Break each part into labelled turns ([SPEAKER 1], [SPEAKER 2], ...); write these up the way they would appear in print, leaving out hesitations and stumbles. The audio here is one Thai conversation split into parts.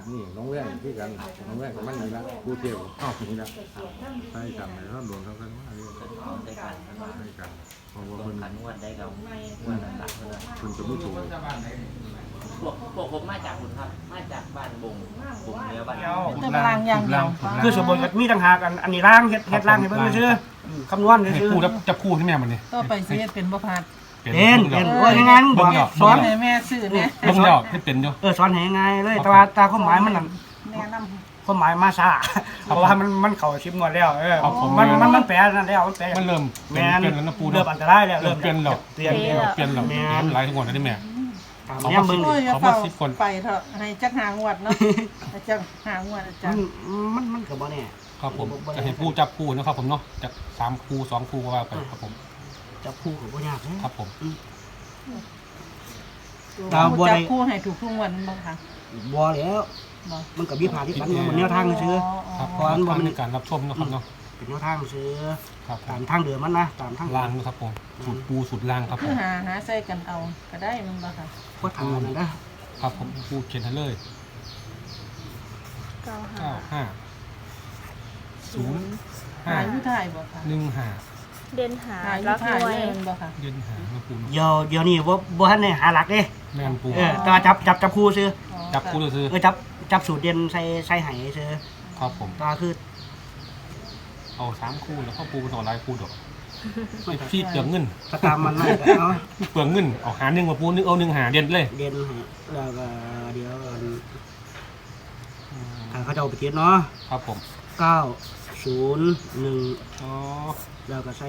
[SPEAKER 1] นี่น้องแว่นที่กันน้องแว่นกับมันนี่ละกูเที่ยวอ้าวนี่ละใช่กันเลยเขาโดนเขากันว่าเรื่อง
[SPEAKER 2] ได้กัน
[SPEAKER 1] ใช่กันเพราะว่า
[SPEAKER 2] โด
[SPEAKER 1] เพิ่
[SPEAKER 2] น
[SPEAKER 1] น
[SPEAKER 2] ขันงวดได้กับงวดหลักๆเลย
[SPEAKER 1] เพิ่นจะไม่ถูก
[SPEAKER 2] พวกผมมาจากคุณครับมาจากบ้านบงเนื้อบ้าน
[SPEAKER 3] แต่พลังอย่างเดียว
[SPEAKER 4] คือสมบูรณ์มีต่างหากอันนี้ร่างเฮ็ดร่างให้เพิ่นซื่อคำนวณ
[SPEAKER 5] ให้
[SPEAKER 4] ซื่อ
[SPEAKER 5] คู่แล้วจับคู่ที่แม่มันนี่
[SPEAKER 3] ต่อไปสิเฮ็ดเป็นบ่พลาด
[SPEAKER 4] เป็นว่ายังไงมึงบอกส
[SPEAKER 3] ส
[SPEAKER 4] อ
[SPEAKER 3] อน
[SPEAKER 4] น
[SPEAKER 3] ให้แม่ซื้อแหน่
[SPEAKER 5] เบิ่งแล้วให้เป็นอยู่
[SPEAKER 4] สอนให้ง่ายเลยแต่ว่าตาความหมายมันนั่น
[SPEAKER 3] แนะนำ
[SPEAKER 4] ความหมายมาซาเพราะว่ามันเข้าชิปงวดแล้วมันแปลนั่นแล้วมันแปล
[SPEAKER 5] มันเริ่ม
[SPEAKER 4] แม่
[SPEAKER 5] เปลี่ยนแล้วนะปู
[SPEAKER 4] เริ่มอันตรายแล้ว
[SPEAKER 5] เริ่มเปลี่ยนแล้ว
[SPEAKER 4] เปลี่ยน
[SPEAKER 5] เปลี่ยนแล้วหลายทั้งหมดนะนี่แม่
[SPEAKER 4] เนี่ยมึง
[SPEAKER 3] โอ้ยอย่า
[SPEAKER 5] เขา
[SPEAKER 3] เฝ้า
[SPEAKER 5] มา10คน
[SPEAKER 3] ไปเถอะให้จักหางวดเนาะให้จักหางวดอาจารย์
[SPEAKER 4] มันก็บ่แน่
[SPEAKER 5] ครับผมจะให้ผู้จับคู่นะครับผมเนาะจาก3คู่2คู่ก็ว่าไปครับผม
[SPEAKER 4] จับคู่ก็บ่ยากนะครับ
[SPEAKER 5] ผม
[SPEAKER 4] ดาวบัว
[SPEAKER 3] จั
[SPEAKER 4] ได้
[SPEAKER 3] บคู่ให้ถูกทุกงวันบ่คะ
[SPEAKER 4] บ่แล้ว
[SPEAKER 3] บ่
[SPEAKER 4] มันก็มีผ่าที่ปันมันแนวทางซื่อ
[SPEAKER 5] ครับ
[SPEAKER 4] เพราะอันบ่มัน
[SPEAKER 5] ในการรับชมนะครับเนาะ
[SPEAKER 4] เป็นแนวทางซื่อ
[SPEAKER 5] ครับผ
[SPEAKER 4] ตาม มทางเดิมมันนะตามทาง
[SPEAKER 5] ล่างนะครับผมสูตรปูสูตรล่างครับผ
[SPEAKER 3] คือ
[SPEAKER 5] ม
[SPEAKER 3] หาใส่กันเอาก็ได้มันบ่ค่ะ
[SPEAKER 4] ก็ทางนั้นนะครับ
[SPEAKER 5] ผมปูเขียนให้เลย
[SPEAKER 6] 95
[SPEAKER 5] 95
[SPEAKER 3] หาอยู่ถ่ายบ่ค่ะ
[SPEAKER 5] 05
[SPEAKER 6] เด่นหา
[SPEAKER 3] หาอยู่
[SPEAKER 6] รัก
[SPEAKER 3] ถ่าย
[SPEAKER 6] หน่วย
[SPEAKER 3] เลยมันบ่ค่ะ
[SPEAKER 5] เย็นหานะปูเนาะ
[SPEAKER 4] เดี๋ยวนี้บ่ทันได้หาหลักเด้
[SPEAKER 5] แม่นปู
[SPEAKER 4] แต่ว่าจับคู่ซื่อ
[SPEAKER 3] อ๋อ
[SPEAKER 5] จับคู่เลยซื้อ
[SPEAKER 4] จับสูตรเด่นใส่ไหซื่อ
[SPEAKER 5] ครับผม
[SPEAKER 4] ตาคือ
[SPEAKER 5] เอา3คู่แล้วก็ปูต่อลายคู่ดอกพี่เปลืองเงิน
[SPEAKER 4] ก็ตามมันนั่นก็เอา
[SPEAKER 5] เปลืองเงินเอาหา1มาปูนึงเอา1หาเด่นเลย
[SPEAKER 4] เด่นให้แล้วก็เดี๋ยวทางเขาจะเอาไปเก็บเนาะ
[SPEAKER 5] ครับผม
[SPEAKER 4] 901
[SPEAKER 5] อ๋อ
[SPEAKER 4] แล้วก็ใส่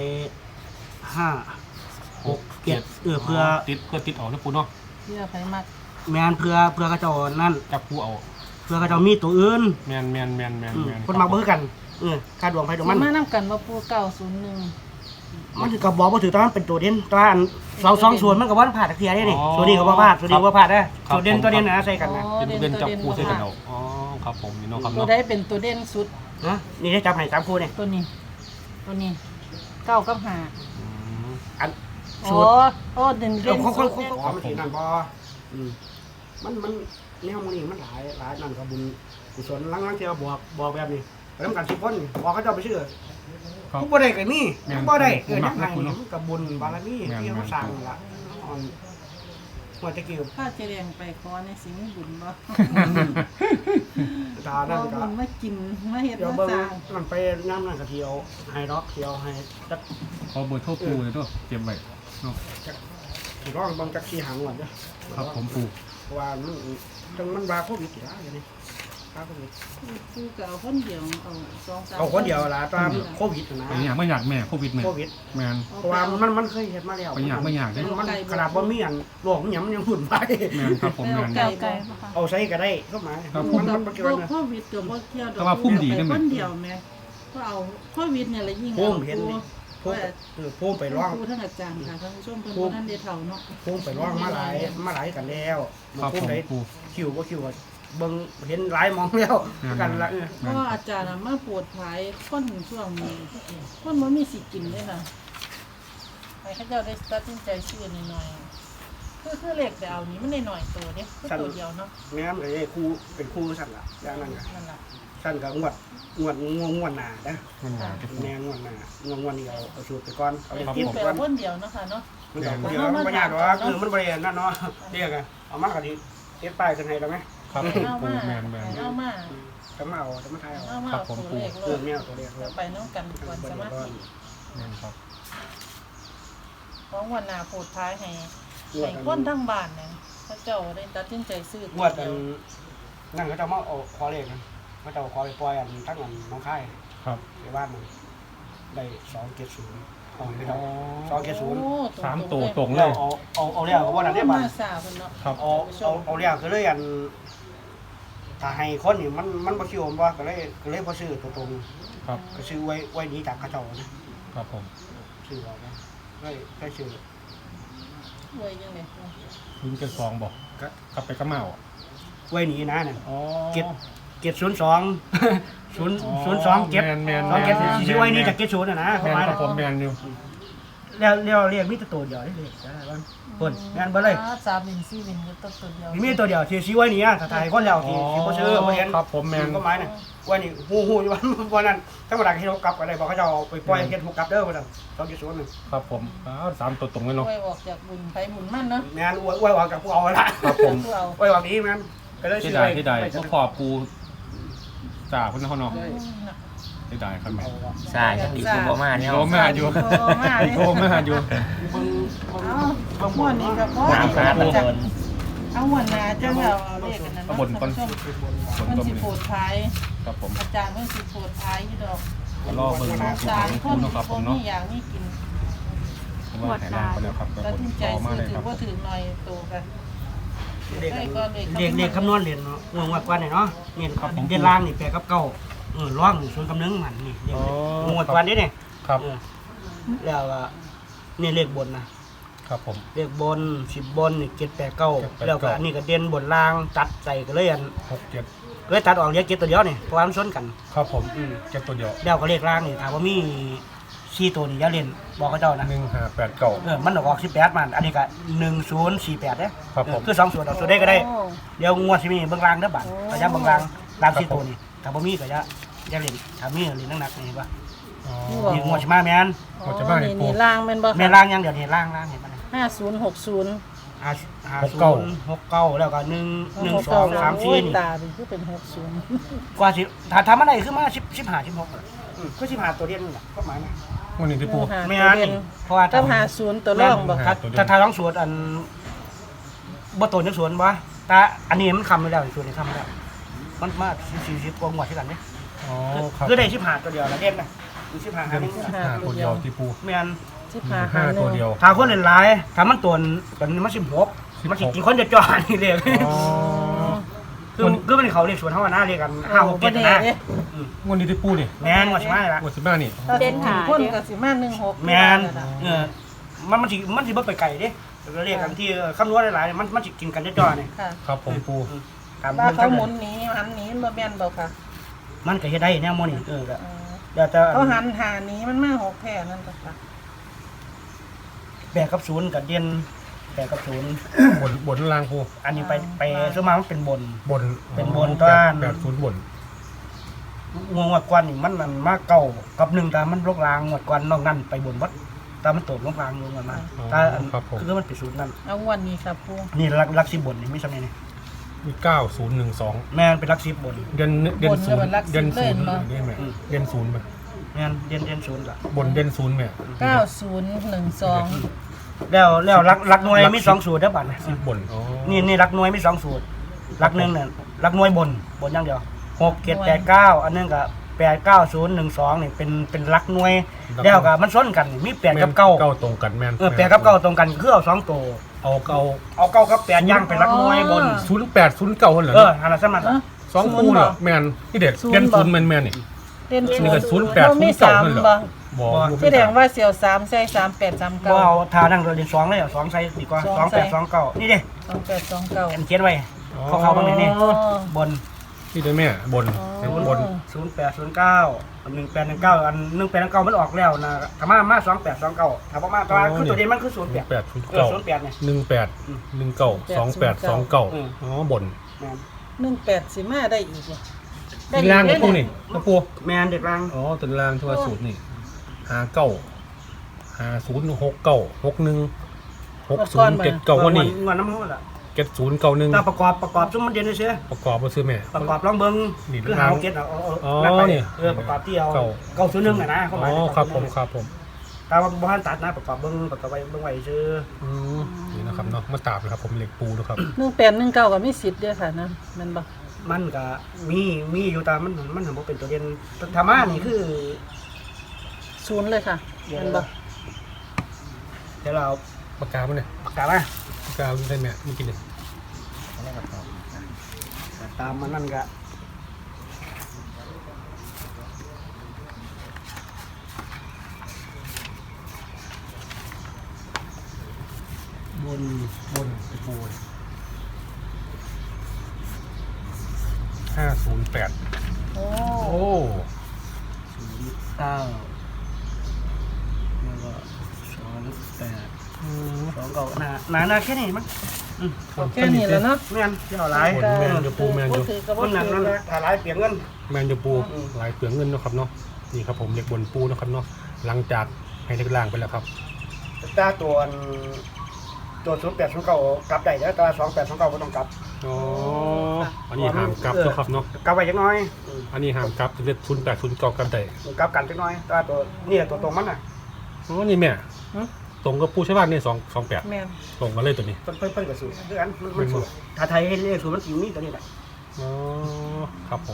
[SPEAKER 4] 5 6 7เพื่อ
[SPEAKER 5] ติดออกนะปูเนาะ
[SPEAKER 3] เพื่อไผมัก
[SPEAKER 4] แมนเพื่อเขาเจ้านั่น
[SPEAKER 5] จับคู่เอา
[SPEAKER 4] เพื่อเขาเจ้ามีตัวอื่น
[SPEAKER 5] แมน
[SPEAKER 4] คนมาเบิ่งกันค่าดวงไผดวง
[SPEAKER 3] มั
[SPEAKER 4] มัน น
[SPEAKER 3] มานำกันว่าปู901
[SPEAKER 4] มันก็บอกว่าถือตอนนั้นเป็นตัวเด่นตอน2ส่วนมันก็บ่ผ่านตะเทียได้นี่ส่วนนี้ก็บ่พลาดส่วนนี้บ่พลาดนะตัวเด่นนะใส่กันนะ
[SPEAKER 5] เป็นจับคู่ใส่กันเอาอ๋อครับผมนี่เนาะครับ
[SPEAKER 3] ตัว
[SPEAKER 5] เนาะ
[SPEAKER 3] ใดเป็นตัวเด่นสุด
[SPEAKER 4] นะนี่ได้จับให้3คู่นี่
[SPEAKER 3] ตัวนี้9กับ5
[SPEAKER 4] อัน
[SPEAKER 3] โอ้เด่น
[SPEAKER 4] เดี๋ยว
[SPEAKER 3] สุด
[SPEAKER 4] มันสินั่นบ่มันแนวมื้อนี้มันหลายนั่นก็บุญกุศลลังเที่ยวบอกแบบนี้ไปนำกัน10คนบอกเขาเจ้าไปชื่อ
[SPEAKER 5] ครับ
[SPEAKER 4] ผู้บ่ได้ก็มีบ่ได้เกิด
[SPEAKER 5] มั
[SPEAKER 4] ยังไง
[SPEAKER 5] เนาะ
[SPEAKER 4] มันก็บุญบารมีที่เขาสร้างล่ะหัวตะกี้
[SPEAKER 3] ถ้าเจริญไปขอในสิ่งบุญบ่
[SPEAKER 4] ตานั่น
[SPEAKER 3] เอา
[SPEAKER 4] ก็
[SPEAKER 3] บุญมากินมาเฮ็ด
[SPEAKER 4] เดี๋ยว
[SPEAKER 3] มา
[SPEAKER 4] เบิ่ง
[SPEAKER 3] สร้าง
[SPEAKER 4] มันไปน้ำนั่นก็เที่ยวให้ดอกเที่ยวให้จัก
[SPEAKER 5] ขอเบอร์โทรปูเลยด้วยเตรียมไว้เนาะ
[SPEAKER 4] สิร้องเบิ่งจัก4หางก่อนเด้อ
[SPEAKER 5] ครับผมปู
[SPEAKER 4] เพราะว่ามันจังมันว่าโควิดอยู่แล้วอย่างนี้โควิด
[SPEAKER 3] กูก็เอาคนเดียวเอา2-3
[SPEAKER 4] เอาคนเดียวล่ะตามโควิดนะ
[SPEAKER 5] ไปอยากไม่อยากแม่โควิดแม่
[SPEAKER 4] โควิด
[SPEAKER 5] แมน
[SPEAKER 4] เพราะว่ามันเคยเฮ็ดมาแล้ว
[SPEAKER 5] ไปอยากไม่อยากเด้
[SPEAKER 4] มันขนาดบ่มีอันโรคมันยังหุ่นไป
[SPEAKER 5] แมนครับผมแมน
[SPEAKER 6] เก่าไก่ปะคะ
[SPEAKER 4] เอาใช้ก็ได้ก็หมาย
[SPEAKER 5] ครับ
[SPEAKER 4] มันบ่เกี่ยวนะ
[SPEAKER 3] โควิดก็บ่เกี่ยวดอก
[SPEAKER 5] แต่ว่าพุ่มดีได้ไหม
[SPEAKER 3] คนเดียวแม่ก็เอาโควิดเนี่ยแหละยิ่ง
[SPEAKER 4] พุ่มเห็นนี่พุ่มไปร้อง
[SPEAKER 3] ครูท่านอาจารย์ค่ะท่านผู้ชมเพิ่นบ่ทันได้เฒ่าเนาะ
[SPEAKER 4] พุ่งไปร้องมาหลายกันแล้ว
[SPEAKER 5] ครับ
[SPEAKER 4] พุ่
[SPEAKER 5] ผ
[SPEAKER 4] ง
[SPEAKER 5] ม
[SPEAKER 4] ได้
[SPEAKER 5] ปู
[SPEAKER 4] คิวก็คิวอะเบิ่งเห็นหลายมองแล้วกันละ
[SPEAKER 3] เพราะว่าอาจารย์น่ะมาโปวดภายคนช่วงนี้คนบ่มีสิกินเลยค่ะให้เขาเจ้าได้ตัดสินใจซื้อหน่อยๆคือเลขแต่เอานี้มันหน่อยๆตัวเด้คือตัวเดียวเนาะ
[SPEAKER 4] แม่นก็ได้ครูเป็นครูสั่นล่ะอย่างนั้นก็
[SPEAKER 3] นั่นล่ะ
[SPEAKER 4] สั่นก็งวดหน้านะ
[SPEAKER 5] มันหนาจะปู
[SPEAKER 4] แม่งวดหน้างวดนี้เอาสูตรไปก่อนเอา
[SPEAKER 3] เป็น
[SPEAKER 4] ติด
[SPEAKER 3] แป
[SPEAKER 4] ไป
[SPEAKER 3] ล
[SPEAKER 4] ก่อน
[SPEAKER 3] คนเดียวเนาะค่ะเนาะ
[SPEAKER 4] มันก็เดี๋ยวมันบ่ยากหรอกคือมันบ่ได้นั่นเนาะเรียกอะเอามาก็สิเฮ็ดป้ายขึ้นให้แล้วมั้ย
[SPEAKER 5] ครับผมปูแมน
[SPEAKER 3] เอามา
[SPEAKER 4] จะมาเอาจะมาถ่ายเอา
[SPEAKER 3] เอามาตัวเลข
[SPEAKER 4] แม่ตัวเรียก
[SPEAKER 3] ไปน้องกันก่อนสมาธิ
[SPEAKER 5] แมนครับ
[SPEAKER 3] ของวันหน้าโพดท้ายให้คนทั้งบ้านเนี่ยพระเจ้าได้ตัดสินใจซื้อง
[SPEAKER 4] วดอันนั่นเขาจะมาเอาขอเลขนะเขาจะขอไปปล่อยอันตั้งอันน้องค่าย
[SPEAKER 5] ครับ
[SPEAKER 4] ในบ้านมันได้270เอาไปเอา270
[SPEAKER 5] 3ตัวตรงเล
[SPEAKER 4] แล้ว
[SPEAKER 5] ย
[SPEAKER 4] เอาเรียกว่านั้นได้บ้าน
[SPEAKER 3] มาสาวเพิ่นเนาะ
[SPEAKER 5] ครับ
[SPEAKER 4] เอาเรียกก็เลยอันถ้าให้คนนี่มันบ่คิวบ่ก็เลยบ่ซื้อตัวตรง
[SPEAKER 5] ครับ
[SPEAKER 4] ก็ซื้อไว้นี้จากเขาเจ้านะครับ
[SPEAKER 5] ผม
[SPEAKER 4] ซื้อเอานะได้ซื้อ
[SPEAKER 3] รวยจังได๋
[SPEAKER 5] ลุงเกิน2บอกกลับไปกระเมา
[SPEAKER 4] ไว้นี้นะนั่น
[SPEAKER 5] อ๋อ
[SPEAKER 4] เก็บ02 0 2เก็บ
[SPEAKER 5] แมน
[SPEAKER 4] 2เก็บสิไว้นี้จากเก็บ0น่ะนะป
[SPEAKER 5] แม
[SPEAKER 4] ระ
[SPEAKER 5] น
[SPEAKER 4] มาณ
[SPEAKER 5] ครับผมแมนอยู่
[SPEAKER 4] แล้วเรียกมีตัวเดียวได้เลยได้บ้างคนงานเบ่เลย
[SPEAKER 3] 3วิน4วินก็ตัวเดียว
[SPEAKER 4] มีตัวเดียวที่ชี้ไว้นี่ถ้าถ่ายคนแล้วที่บ่ซื้อบ่เห็น
[SPEAKER 5] ครับผมแมน
[SPEAKER 4] ก็หมายน่ะว่านี่ฮู้อยู่วันนั้นถ้าบ่ได้ให้เรากลับก็ได้บอกเขาจะเอาไปปล่อยเฮ็ดฮู้กลับเด้อว่าซั่น2.0นึง
[SPEAKER 5] ครับผม3ตัวตรงเลยเนาะ
[SPEAKER 3] ไว้ออกจากบุญไปบุญมั่นเนาะ
[SPEAKER 4] แม่นอวยออกกับผู้เอาละ
[SPEAKER 5] ครับผม
[SPEAKER 3] ผู้เอา
[SPEAKER 4] อวยออกนี้แม่นก็เลย
[SPEAKER 5] ที่
[SPEAKER 4] ซื้อ
[SPEAKER 5] ใด
[SPEAKER 4] ไว้
[SPEAKER 5] ที่ใดก็ขอบปูจ่าเพิ่นเขาเนาะที่ใดครับแม่
[SPEAKER 2] ใช่ยังดีคุณบ่มาเนี่ย
[SPEAKER 5] โยมมาอยู่
[SPEAKER 3] โอ้มาเลย
[SPEAKER 5] โยมมาอยู่
[SPEAKER 3] เอาม่วนนี่ก็พอ
[SPEAKER 2] ตามหาตะบน
[SPEAKER 3] เอาม่วนนาจังเอาเลขกันนะเนาะ
[SPEAKER 5] บนก่อน
[SPEAKER 3] ท่านผู้ชม
[SPEAKER 5] บน
[SPEAKER 3] มัน
[SPEAKER 5] ต้ม
[SPEAKER 3] สิ
[SPEAKER 5] นี่
[SPEAKER 3] โปรดท้าย
[SPEAKER 5] ครับผม
[SPEAKER 3] อาจารย์มันสิโปรดท้ายอยู่ดอก
[SPEAKER 5] รอเบิ่งนะ
[SPEAKER 3] อาจารย์
[SPEAKER 5] ปู
[SPEAKER 3] คน
[SPEAKER 5] เนาะครับผม
[SPEAKER 3] มี
[SPEAKER 5] เนาะ
[SPEAKER 3] อย่างนี้กิน
[SPEAKER 5] ว่าแถลงไปแล้วครับ
[SPEAKER 3] ตัดสินใจ
[SPEAKER 5] รอมา
[SPEAKER 3] ซื้อ
[SPEAKER 5] เลย
[SPEAKER 3] ถื
[SPEAKER 5] ครั
[SPEAKER 3] อบ ว่าถือหน่อยโตกัน
[SPEAKER 4] เด็ก
[SPEAKER 3] ได้ก็เลข
[SPEAKER 4] เด็กคำนวณเรียนเนาะงวดกว่านี่เนาะนี่ครับเดือนล่างนี่8กับ9ร้อง0กับ1มันนี่งวดกว่านี้นี่
[SPEAKER 5] ครับ
[SPEAKER 4] แล้วนี่เลขบนนะครับ
[SPEAKER 5] ผม
[SPEAKER 4] เลขบน10บนนี่7 8 9แล้วก็อันนี้ก็เด่นบนล่างตัดใส่ก็เลยอัน
[SPEAKER 5] 6 7
[SPEAKER 4] เลยตัดออกเหลือ7ตัวเดียวนี่เพราะว่ามันซ้นกัน
[SPEAKER 5] ครับผมเจ็ดตัวเดียว
[SPEAKER 4] แล้วก็เลขล่างนี่ถามว่ามี4ตัวนี่อย่าเล่นบอกเขาเจ้านะ
[SPEAKER 5] 1589
[SPEAKER 4] มันออก18มันอันนี้ก็1048เด้
[SPEAKER 5] ครับผม
[SPEAKER 4] คือ2ส่วนออกส่วนได้ก็ได้เดี๋ยวงวดสิมีเบิ่งล่างเด้อบัดก็อย่าเบิ่งล่างล่าง4ตัวนี่ถ้าบ่มีก็อย่าเล่นถ้ามีเล่นหนักๆนี่เห็นป่ะ
[SPEAKER 5] อ๋อ
[SPEAKER 4] นี่งวดสิมาแม่น
[SPEAKER 5] หมดจะบ้านนี่ปู
[SPEAKER 3] นี่ล่างแม่นบ่
[SPEAKER 4] แม่นล่างอย่างเดียวนี่ล่างเห็นป่ะ
[SPEAKER 3] 5060
[SPEAKER 4] 5069แล้วก็1 2 3 4นี่
[SPEAKER 3] ตาเป็นคือเป็น60
[SPEAKER 4] กว่าสิถ้าทำอะไรคือมา15 16คือ15ตัวเดียวนี่แหละก็หมายนะ
[SPEAKER 5] วันนี้ที่ปู
[SPEAKER 4] ไม่งั้นนี่เพราะว่า
[SPEAKER 3] ต้อง50ตัวรองบ่
[SPEAKER 4] ถ้าต้องสวดอันบ่ตัวจังสวนบ่แต่อันนี้มันคำไม่ได้สวดนี่คำไม่ได้มันมา40กว่าหมวดที่กันนี่
[SPEAKER 5] อ๋อครับ
[SPEAKER 4] คือได้15ตัวเดียวละเด่นนะคือ15หาหนึ่ง
[SPEAKER 5] 5ตัวเดียวที่ปู
[SPEAKER 4] แม่น
[SPEAKER 5] 5ตัวเดียว
[SPEAKER 4] ถ้าคนหลายๆถ้ามันตัวมัน16มันสิกินคนจะจ่อนี่เลย
[SPEAKER 5] อ๋อ
[SPEAKER 4] คือมันเขาเรียกสวนเฮาว่านะเรียกกัน5 6 7นะ
[SPEAKER 5] วันนี้ที่ปูนี่
[SPEAKER 4] แม่นหมดใช่มั้ยล่ะ
[SPEAKER 5] วันที่บ้านนี่
[SPEAKER 3] เด่นหาคนก็สิมา16
[SPEAKER 4] แม่นมันสิบ่ไปไกลเด้เรียกกันที่คำนวณหลายๆมันสิกินกันจะจ่อนี่
[SPEAKER 3] ค่ะ
[SPEAKER 5] ครับผมปู
[SPEAKER 4] ตาม
[SPEAKER 3] ว่า
[SPEAKER 4] เบิ่ง
[SPEAKER 3] เขา
[SPEAKER 4] ทั้ง
[SPEAKER 3] หมุนหนีหันหนีบ่แม่นบ่ค่ะ
[SPEAKER 4] มันก็เฮ็ดได้แนวโมนี่ก็เดี๋ยวจะ
[SPEAKER 3] เขาหันหาหนีมันมา6แผ่นั่นก็ค่ะ
[SPEAKER 4] 8กับ0กับเด่น8กับ0
[SPEAKER 5] บนล่างปู
[SPEAKER 4] อันนี้ไปซุมามันเป็นบน
[SPEAKER 5] บน
[SPEAKER 4] เป็นบนต้าน
[SPEAKER 5] 80บน
[SPEAKER 4] งวดกวนนี่มันมาเก่ากับ1แต่มันลกลางงวดกวนนอกนั้นไปบนวัดแต่มันตกลงลางลงกันมาถ้าคือมันเป็นศูนย์นั่น
[SPEAKER 3] เอาวันนี้ครับปู
[SPEAKER 4] นี่ลัก10บนนี่ไม่ใช่นี่
[SPEAKER 5] มี9012
[SPEAKER 4] แม่นเป็นลัก10บน
[SPEAKER 5] เดือนศูนย์เดือนศูนย์ได้ไหมเดือนศูนย์ไหม
[SPEAKER 4] แม่นเด่น0ล่ะ
[SPEAKER 5] บนเดือนศูนย์ไหม
[SPEAKER 3] 9012
[SPEAKER 4] แล้วลักหน่วยมี2สูตรเด้อบัดนะ
[SPEAKER 5] 10บนอ๋อ
[SPEAKER 4] นี่ลักหน่วยมี2สูตรลัก1เนี่ยลักหน่วยบนอย่างเดียว6 7 8 9อันนึงก็8 9 0 1 2นี่เป็นลักหน่วยแล้วก็มันซ้นกันมี8กับ9
[SPEAKER 5] ตรงกันแม่น
[SPEAKER 4] 8กับ9ตรงกันคือเอา2ตัวเอา9กับ8ย่างเป็นลักหน่วยบน
[SPEAKER 5] 0809เหรอ
[SPEAKER 4] อันนั้นสมัน
[SPEAKER 5] สองคู่เนี่ยแม่นที่เด็ดเดือนศูนย์แม่นนี่
[SPEAKER 3] เด่น
[SPEAKER 5] นี่ก็08
[SPEAKER 3] เรามี
[SPEAKER 5] 09นั่นเหรอ
[SPEAKER 3] 3บ่
[SPEAKER 5] บ่
[SPEAKER 3] แสดงว่าเสี่ยว3ใส่38
[SPEAKER 4] บ่เอา
[SPEAKER 3] 39
[SPEAKER 4] ทานั่งเรียน2เลยอ่ะ2ใส่ดีกว่า2 8 2 9นี่ดิ
[SPEAKER 3] 2829
[SPEAKER 4] เขียนไว้เขาบางนี่บน
[SPEAKER 5] ที่ได้แม่บนบน
[SPEAKER 4] 0809 1819อัน1819มันออกแล้วนะถ้ามา2829ถ้าบ่มาตัวคือตัวเด่นมันคือ08
[SPEAKER 5] 0809
[SPEAKER 4] 08เนี่ย
[SPEAKER 5] 1819 2829อ๋อบน
[SPEAKER 4] แม่น
[SPEAKER 3] 18สิมาได้อีกบ่
[SPEAKER 5] เป็นล่างกับปูนี่กระปู
[SPEAKER 4] แม่นเด็กรัง
[SPEAKER 5] อ๋อตัวล่างที่ว่าสูตรนี่5069 616079วันนี้
[SPEAKER 4] งอนน้ำหูล่ะ
[SPEAKER 5] 7091
[SPEAKER 4] ถ้าประกอบซุมมันเด่นซื่อ
[SPEAKER 5] ประกอบบ่ซื้อแม่
[SPEAKER 4] ประกอบลองเบิ่ง
[SPEAKER 5] นี่
[SPEAKER 4] คือหาเก็ตเอานั่นไปประกอบที่เอา901อ่ะนะเขาห
[SPEAKER 5] อ๋
[SPEAKER 4] มาย
[SPEAKER 5] อครับผม
[SPEAKER 4] แต่ว่าบ่ทันตัดนะประกอบเบิ่งไว้ซื่อ
[SPEAKER 5] นี่นะครับเนาะมาตาบนะครับผมเหล็กปูนะครับ
[SPEAKER 3] 1819ก็มีสิทธิ์เด้อค่ะนะแม่นบ่
[SPEAKER 4] มันก็มีอยู่แต่มันบ่เป็นตัวเด่นธรรมะนี่คือ
[SPEAKER 3] ศูนย์เลยค่ะแม่นบ่
[SPEAKER 4] เดี๋ยวเรา
[SPEAKER 5] ปากกามันเนี่ย
[SPEAKER 4] ประกาศมา
[SPEAKER 5] ปากกาได้แม่ไม่กินเลย
[SPEAKER 4] ตามมันนั่นก็บน
[SPEAKER 5] ไอ้ปู508
[SPEAKER 3] โอ้
[SPEAKER 5] โอ้
[SPEAKER 4] 09แล้วก็2 2 เก่าหนาแค่นี้มั้ง
[SPEAKER 3] แค่นี้แล้วเนาะ
[SPEAKER 4] แม่นเที่ยวหลาย
[SPEAKER 5] แมนจะปูแมน
[SPEAKER 3] บ่
[SPEAKER 5] จะ
[SPEAKER 3] ถือก็บ่
[SPEAKER 4] มันหนัก
[SPEAKER 3] ถื
[SPEAKER 4] นั่
[SPEAKER 3] อน ละ
[SPEAKER 4] ถ้าหลายเปลี่ยนเงิน
[SPEAKER 5] แมนจะปูหลายเปลืองเงินเนาะครับเนาะนี่ครับผมเล็กบนปูนะครับเนาะหลังจากให้เล็กล่างไปแล้วครับ
[SPEAKER 4] ตาตัว08 09กลับได้แล้วแต่28 29บ่ต้องกลับ
[SPEAKER 5] อ๋ออันนี้ห้ามกลับเนาะครับเนาะ
[SPEAKER 4] กลับไว้จักหน่อย
[SPEAKER 5] อันนี้ห้ามกลับจะเรียก0809กันได้
[SPEAKER 4] กลับกันจักหน่อยแต่ตัวนี่ตัวตรงมันน่ะ
[SPEAKER 5] อ๋อนี่แม่ตรงกับปูใช่ป่ะนี่228
[SPEAKER 3] แม่น
[SPEAKER 5] ตรงกันเลยตัวนี้
[SPEAKER 4] เพิ่นก็สูตรคือกันมันสูตรถ้าไทยให้เลขสูตรมันสิมีตัวนี้แหละ
[SPEAKER 5] อ๋อครับผม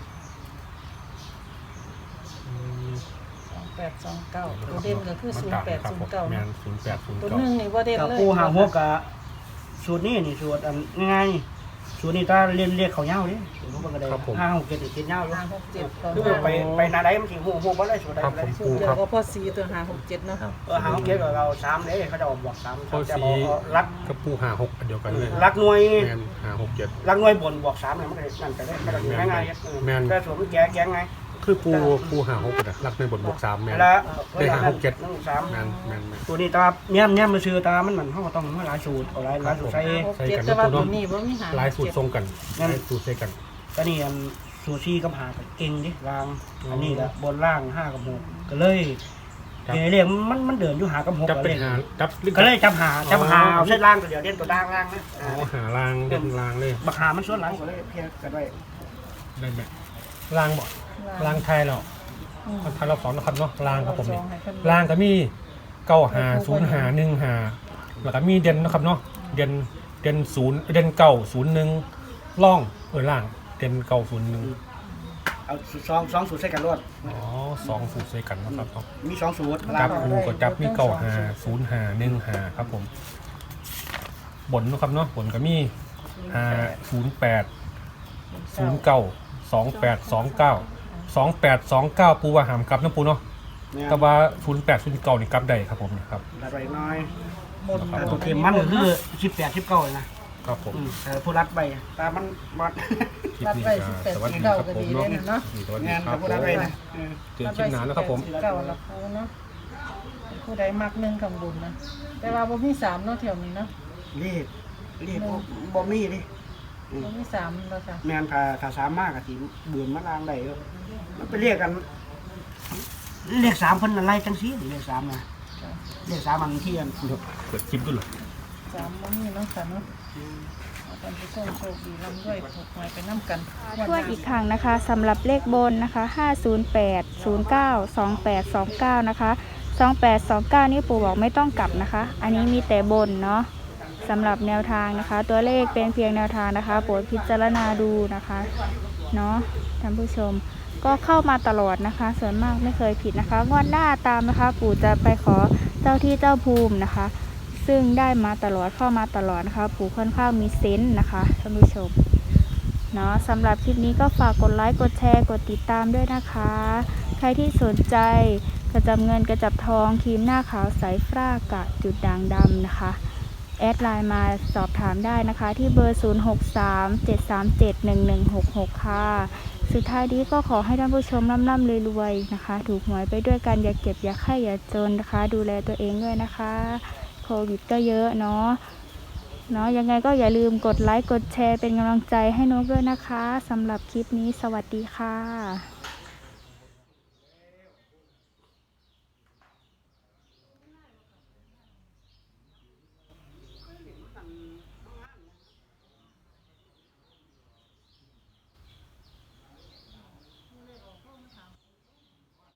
[SPEAKER 3] 829ตัวเด่นก็คือ0809
[SPEAKER 5] แม
[SPEAKER 3] นะ
[SPEAKER 5] น
[SPEAKER 3] ตัวหนึง
[SPEAKER 5] 0809
[SPEAKER 3] นี่บ่เด่น
[SPEAKER 4] กับ
[SPEAKER 3] เลย
[SPEAKER 4] ปูหาหัวกับสูตรนี้นี่สูตรง่ายสูตรนี้ถ้าเรียกเขายาวดิสูตรพวกก็ได้5 6 7 7ยาวอยู่
[SPEAKER 3] 567ต่อ
[SPEAKER 4] คือไปนาใดมันสิฮู้บ่ได้สูตรใด
[SPEAKER 5] ครับ
[SPEAKER 4] ได้
[SPEAKER 5] ผม
[SPEAKER 3] สู
[SPEAKER 5] ปู
[SPEAKER 3] ตรเดีย
[SPEAKER 5] คว รับ
[SPEAKER 3] ก็พอสีตัว567เนาะ
[SPEAKER 4] หา6 7กับเรา3เด้เขาจะบอก3จะบอกรัก
[SPEAKER 5] กับปู56อันเดียวกันเลย
[SPEAKER 4] รักหน่วย
[SPEAKER 5] แมน567
[SPEAKER 4] รักหน่วยบนบวก3เนี่ยมันก็นั่นก็ได้มันก็ง่ายๆแต่สูตรมันแก้ไง
[SPEAKER 5] คือปู56นะรักในบทบวก3แมน
[SPEAKER 4] แล้ว
[SPEAKER 5] ได้567
[SPEAKER 4] 3
[SPEAKER 5] แมน
[SPEAKER 4] ตัวนี้ตาเนี่ยมันซื้อตามันเฮาต้องมาหลายสูตรเอาหลายสูตรใส่
[SPEAKER 3] 567แต่ว่าตัวนี้บ่มี5
[SPEAKER 5] หลายสูตรทรงกันหลายสูตรใส่กัน
[SPEAKER 4] ตอนนี้สูตร4กับ5ก็เก่งดิรางอันนี้ละบนล่าง5กับ6ก็เลยเรียกมันเดินอยู่5กับ6
[SPEAKER 5] จับเป็นหาจับ
[SPEAKER 4] ก็เลยจับหาเอาเส้นล่างตัวเดียวเด่นตัวล่างนะ
[SPEAKER 5] อ๋อหาลางเด่นลางเลย
[SPEAKER 4] บักหามันส่วนหลังก็เลยเพียงกันไว้
[SPEAKER 5] ได้ไหมลางบ่ลางไทยเราไทยเราสอนนะครับเนาะลางครับผมนี่ลางก็มี950515แล้วก็มีเด่นนะครับเนาะเด่น0เด่น901ล่องล่างเด่น901
[SPEAKER 4] เอา2สูตรใส่กันรวด
[SPEAKER 5] อ๋อ2สูตรใส่กันนะครับเนาะ
[SPEAKER 4] มี2สูตร
[SPEAKER 5] จับปูก็จับมี950515ครับผมบนนะครับเนาะบนก็มี508 2829 ปูว่าหามกลับนะปูเนาะแต่ว่า0809นี่กลับได้ครับผมนะครับ
[SPEAKER 4] อะไรน้อยตัวเต็มมันก็คือ18 19เลยนะครับ
[SPEAKER 5] ผม
[SPEAKER 4] ผู้รัดไปตามันมัด
[SPEAKER 5] คลิป
[SPEAKER 3] รับ
[SPEAKER 5] นี้
[SPEAKER 3] ไว้
[SPEAKER 5] ก็สวัสดี
[SPEAKER 3] 18
[SPEAKER 5] ครับ
[SPEAKER 3] ก็
[SPEAKER 5] ผม
[SPEAKER 3] ดีเลยเนาะ
[SPEAKER 5] สวัสดี
[SPEAKER 4] งาน
[SPEAKER 5] ครั
[SPEAKER 4] กั
[SPEAKER 5] บบ
[SPEAKER 4] ผู้รัดไปนะ
[SPEAKER 5] เจอคลิปหน้าแล้วครับผม
[SPEAKER 3] เก่าละปูเนาะผู้ใดมักหนึ่งคำบุญนะแต่ว่าบ่มี3เนาะแถวนี้เนาะ
[SPEAKER 4] รีบบ่มีดิ
[SPEAKER 3] บ่มี3แล้วค่ะ
[SPEAKER 4] แม่นถ้าสามมากก็สิเบื่อมาล้างได้มันไปเรียกกันเรียก3เพิ่นอะไรจังซี่เรียก3นะเรียก3มันที่อัน
[SPEAKER 5] เปิดคลิปด้วยเหรอ
[SPEAKER 3] 3บ่มีเนาะค่ะเนาะท่านผู้ชมโชคดีร่ำรวยถูกหวยไปนํกัน
[SPEAKER 6] ทวนอีกครั้งนะคะสำหรับเลขบนนะคะ508 09 2829นะคะ2829นี่ปู่บอกไม่ต้องกลับนะคะ อันนี้มีแต่บนเนาะสำหรับแนวทางนะคะ ตัวเลขเป็นเพียงแนวทางนะคะโปรดพิจารณาดูนะคะเนาะท่านผู้ชมก็เข้ามาตลอดนะคะ ส่วนมากไม่เคยผิดนะคะงวดหน้าตามนะคะ ปู่จะไปขอเจ้าที่เจ้าภูมินะคะ ซึ่งได้มาตลอดเข้ามาตลอดนะคะปู่ค่อนข้างมีเซนส์นะคะท่านผู้ชมเนาะสำหรับคลิปนี้ก็ฝากกดไลค์กดแชร์กดติดตามด้วยนะคะ ใครที่สนใจกระจับเงินกระจับทองครีมหน้าขาวใสฟรากะจุดด่างดำนะคะแอดไลน์มาสอบถามได้นะคะที่เบอร์ 0637371166 ค่ะสุดท้ายนี้ก็ขอให้ท่านผู้ชมร่ำๆรวยๆนะคะถูกหวยไปด้วยกันอย่าเก็บอย่าไข้อย่าจนนะคะดูแลตัวเองด้วยนะคะโควิดก็เยอะเนาะยังไงก็อย่าลืมกดไลค์กดแชร์เป็นกำลังใจให้นกด้วยนะคะสำหรับคลิปนี้สวัสดีค่ะ